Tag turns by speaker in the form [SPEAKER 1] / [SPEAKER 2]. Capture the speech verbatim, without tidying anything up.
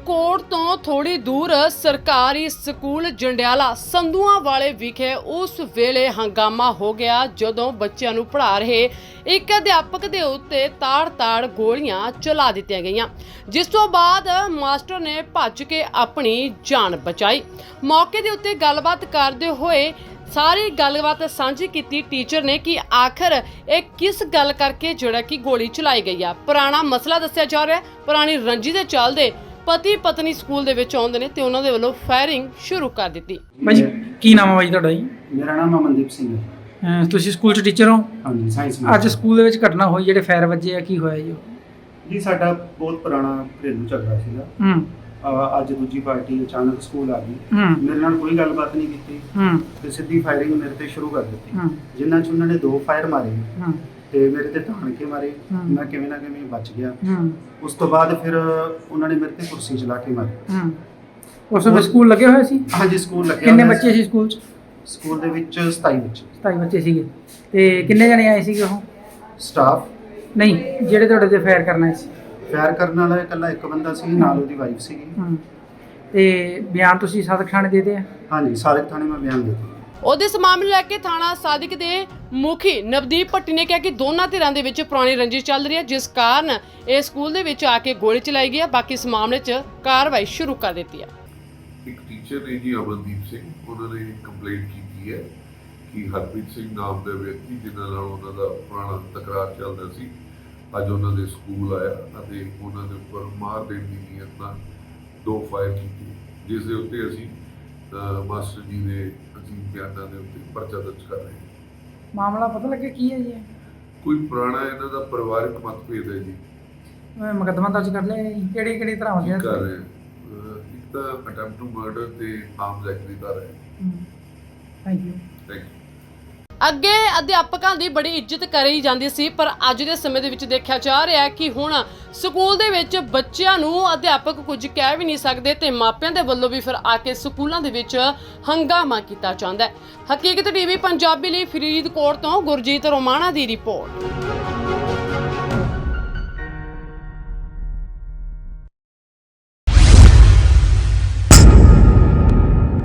[SPEAKER 1] ਫਰੀਦਕੋਟ ਤੋਂ ਥੋੜੀ ਦੂਰ ਸਰਕਾਰੀ ਸਕੂਲ ਜੰਡਿਆਲਾ ਸੰਧੂਆਂ ਵਾਲੇ ਵਿਖੇ ਉਸ ਵੇਲੇ ਹੰਗਾਮਾ ਹੋ ਗਿਆ ਜਦੋਂ ਬੱਚਿਆਂ ਨੂੰ ਪੜ੍ਹਾ ਰਹੇ ਇੱਕ ਅਧਿਆਪਕ ਦੇ ਉੱਤੇ ਤਾੜ-ਤਾੜ ਗੋਲੀਆਂ ਚਲਾ ਦਿੱਤੀਆਂ ਗਈਆਂ, ਜਿਸ ਤੋਂ ਬਾਅਦ ਮਾਸਟਰ ਨੇ ਭੱਜ ਕੇ ਆਪਣੀ ਜਾਨ ਬਚਾਈ। ਮੌਕੇ ਦੇ ਉੱਤੇ ਗੱਲਬਾਤ ਕਰਦੇ ਹੋਏ ਸਾਰੀ ਗੱਲਬਾਤ ਸਾਂਝੀ ਕੀਤੀ ਟੀਚਰ ਨੇ ਕਿ ਆਖਰ ਇਹ ਕਿਸ ਗੱਲ ਕਰਕੇ ਜਿਹੜਾ ਕਿ ਗੋਲੀ ਚਲਾਈ ਗਈ ਆ। ਪੁਰਾਣਾ ਮਸਲਾ ਦੱਸਿਆ ਜਾ ਰਿਹਾ ਹੈ। ਪੁਰਾਣੀ ਰੰਜੀ ਦੇ ਚੱਲਦੇ ਪਤੀ ਪਤਨੀ ਸਕੂਲ ਦੇ ਵਿੱਚ ਆਉਂਦੇ ਨੇ ਤੇ ਉਹਨਾਂ ਦੇ ਵੱਲੋਂ ਫਾਇਰਿੰਗ ਸ਼ੁਰੂ ਕਰ ਦਿੱਤੀ।
[SPEAKER 2] ਭਾਈ ਕੀ ਨਾਮ ਹੈ ਭਾਈ ਤੁਹਾਡਾ ਜੀ?
[SPEAKER 3] ਮੇਰਾ ਨਾਮ ਅਮਨਦੀਪ ਸਿੰਘ ਹੈ।
[SPEAKER 2] ਅਹ ਤੁਸੀਂ ਸਕੂਲ 'ਚ ਟੀਚਰ ਹੋ?
[SPEAKER 3] ਹਾਂਜੀ, ਸਾਇੰਸ
[SPEAKER 2] ਅੱਜ ਸਕੂਲ ਦੇ ਵਿੱਚ ਘਟਨਾ ਹੋਈ, ਜਿਹੜੇ ਫਾਇਰ ਵੱਜੇ ਆ, ਕੀ ਹੋਇਆ ਜੀ?
[SPEAKER 3] ਜੀ ਸਾਡਾ ਬਹੁਤ ਪੁਰਾਣਾ ਘਰੇਲੂ ਝਗੜਾ ਸੀਗਾ।
[SPEAKER 2] ਹੂੰ
[SPEAKER 3] ਅਹ ਅੱਜ ਦੂਜੀ ਪਾਰਟੀ ਅਚਾਨਕ ਸਕੂਲ ਆ ਗਈ,
[SPEAKER 2] ਹੂੰ
[SPEAKER 3] ਮੇਰੇ ਨਾਲ ਕੋਈ ਗੱਲਬਾਤ ਨਹੀਂ ਕੀਤੀ
[SPEAKER 2] ਹੂੰ
[SPEAKER 3] ਤੇ ਸਿੱਧੀ ਫਾਇਰਿੰਗ ਮੇਰੇ ਤੇ ਸ਼ੁਰੂ ਕਰ ਦਿੱਤੀ,
[SPEAKER 2] ਹੂੰ
[SPEAKER 3] ਜਿਨ੍ਹਾਂ 'ਚ ਉਹਨਾਂ ਨੇ ਦੋ ਫਾਇਰ ਮਾਰੇ
[SPEAKER 2] ਹੂੰ
[SPEAKER 3] ਤੇ ਮੇਰੇ ਤੇ ਧਾਣ ਕੇ ਮਾਰੇ।
[SPEAKER 2] ਹੂੰ।
[SPEAKER 3] ਮੈਂ ਕਿਵੇਂ ਨਾ ਕਿਵੇਂ ਬਚ ਗਿਆ।
[SPEAKER 2] ਹੂੰ
[SPEAKER 3] ਉਸ ਤੋਂ ਬਾਅਦ ਫਿਰ ਉਹਨਾਂ ਨੇ ਮੇਰੇ ਤੇ ਕੁਰਸੀ ਚਲਾ ਕੇ ਮਾਰੀ।
[SPEAKER 2] ਹੂੰ ਉਸ ਵੇਲੇ ਸਕੂਲ ਲੱਗੇ ਹੋਏ ਸੀ?
[SPEAKER 3] ਹਾਂਜੀ, ਸਕੂਲ ਲੱਗਿਆ
[SPEAKER 2] ਕਿੰਨੇ
[SPEAKER 3] ਹੋਇਆ
[SPEAKER 2] ਬੱਚੇ ਸੀ ਸਕੂਲ 'ਚ?
[SPEAKER 3] ਸਕੂਲ ਦੇ ਵਿੱਚ ਸਤਾਈ ਬੱਚੇ।
[SPEAKER 2] ਸਤਾਈ ਬੱਚੇ ਸੀਗੇ। ਤੇ ਕਿੰਨੇ ਜਣੇ ਆਏ ਸੀਗੇ ਉਹ?
[SPEAKER 3] ਸਟਾਫ
[SPEAKER 2] ਨਹੀਂ, ਜਿਹੜੇ ਤੁਹਾਡੇ ਤੇ ਫਾਇਰ ਕਰਨਾ ਸੀ?
[SPEAKER 3] ਫਾਇਰ ਕਰਨ ਵਾਲਾ ਇਕੱਲਾ ਇੱਕ ਬੰਦਾ ਸੀ, ਨਾਲ ਉਹਦੀ ਵਾਈਫ ਸੀਗੀ।
[SPEAKER 2] ਹੂੰ ਤੇ ਬਿਆਨ ਤੁਸੀਂ ਸਾਦਕ ਥਾਣੇ ਦੇ ਦਿੱਤੇ ਆ?
[SPEAKER 3] ਹਾਂਜੀ, ਸਾਰੇ ਥਾਣੇ ਮੈਂ ਬਿਆਨ ਦੇ ਦਿੱਤਾ।
[SPEAKER 1] ਉਹਦੇ ਇਸ ਮਾਮਲੇ ਲੈ ਕੇ ਥਾਣਾ ਸਾਦਿਕ ਦੇ ਮੁਖੀ ਨਵਦੀਪ ਭੱਟੀ ਨੇ ਕਿਹਾ ਕਿ ਦੋਨਾਂ ਧਿਰਾਂ ਦੇ ਵਿੱਚ ਪੁਰਾਣੀ ਰੰਜਿਸ਼ ਚੱਲ ਰਹੀ ਹੈ, ਜਿਸ ਕਾਰਨ ਇਹ ਸਕੂਲ ਦੇ ਵਿੱਚ ਆ ਕੇ ਗੋਲੀ ਚਲਾਈ ਗਈ ਹੈ। ਬਾਕੀ ਇਸ ਮਾਮਲੇ 'ਚ ਕਾਰਵਾਈ ਸ਼ੁਰੂ ਕਰ ਦਿੱਤੀ ਹੈ।
[SPEAKER 4] ਇੱਕ ਟੀਚਰ ਨੇ ਜੀ ਅਮਨਦੀਪ ਸਿੰਘ, ਉਹਨਾਂ ਨੇ ਕੰਪਲੇਂਟ ਕੀਤੀ ਹੈ ਕਿ ਹਰਪ੍ਰੀਤ ਸਿੰਘ ਨਾਮ ਦੇ ਵਿਅਕਤੀ ਜਿਨ੍ਹਾਂ ਨਾਲ ਉਹਨਾਂ ਦਾ ਪੁਰਾਣਾ ਤਕਰਾਰ ਚੱਲਦਾ ਸੀ, ਅੱਜ ਉਹਨਾਂ ਦੇ ਸਕੂਲ ਆਇਆ ਅਤੇ ਉਹਨਾਂ ਦੇ ਉੱਪਰ ਮਾਰ ਦੇਣ ਦੀ ਨੀਅਤ ਨਾਲ ਦੋ ਫਾਇਰ ਕੀਤੇ, ਜਿਸ ਦੇ ਉੱਤੇ ਅਸੀਂ ਅਹ, ਮਾਸਟਰ ਜੀ ਦੇ ਅਜੀਬ ਬਿਆਨਾਂ ਦੇ ਉੱਤੇ ਪਰਚਾ ਦਰਜ ਕਰ ਰਹੇ ਹਾਂ।
[SPEAKER 2] ਮਾਮਲਾ ਪਤਾ ਲੱਗਿਆ ਕੀ ਹੈ ਜੀ?
[SPEAKER 4] ਕੋਈ ਪੁਰਾਣਾ ਇਹਨਾਂ ਦਾ ਪਰਿਵਾਰਕ ਮਤਭੇਦ ਹੈ ਜੀ।
[SPEAKER 2] ਅਹ ਮੁਕੱਦਮਾ ਦਰਜ ਕਰ ਲਿਆ ਜੀ? ਕਿਹੜੀ ਕਿਹੜੀ ਤਰ੍ਹਾਂ ਹੋ ਗਿਆ?
[SPEAKER 4] ਕਰ ਰਹੇ ਹਾਂ। ਅਹ, ਇੱਕ ਤਾਂ ਅਟੈਂਪਟ ਟੂ ਮਰਡਰ ਤੇ ਆਰਮਸ ਐਕਟ ਦੀ ਧਾਰਾ ਹੈ।
[SPEAKER 2] Thank you.
[SPEAKER 4] Thank you.
[SPEAKER 1] ਅੱਗੇ ਅਧਿਆਪਕਾਂ ਦੀ ਬੜੀ ਇੱਜ਼ਤ ਕਰੀ ਜਾਂਦੀ ਸੀ, ਪਰ ਅੱਜ ਦੇ ਸਮੇਂ ਦੇ ਵਿੱਚ ਦੇਖਿਆ ਜਾ ਰਿਹਾ ਹੈ ਕਿ ਹੁਣ ਸਕੂਲ ਦੇ ਵਿੱਚ ਬੱਚਿਆਂ ਨੂੰ ਅਧਿਆਪਕ ਕੁਝ ਕਹਿ ਵੀ ਨਹੀਂ ਸਕਦੇ ਤੇ ਮਾਪਿਆਂ ਦੇ ਵੱਲੋਂ ਵੀ ਫਿਰ ਆ ਕੇ ਸਕੂਲਾਂ ਦੇ ਵਿੱਚ ਹੰਗਾਮਾ ਕੀਤਾ ਜਾਂਦਾ ਹੈ। ਹਕੀਕਤ ਟੀਵੀ ਪੰਜਾਬੀ ਲਈ ਫਰੀਦਕੋਟ ਤੋਂ ਗੁਰਜੀਤ ਰੋਮਾਣਾ ਦੀ ਰਿਪੋਰਟ।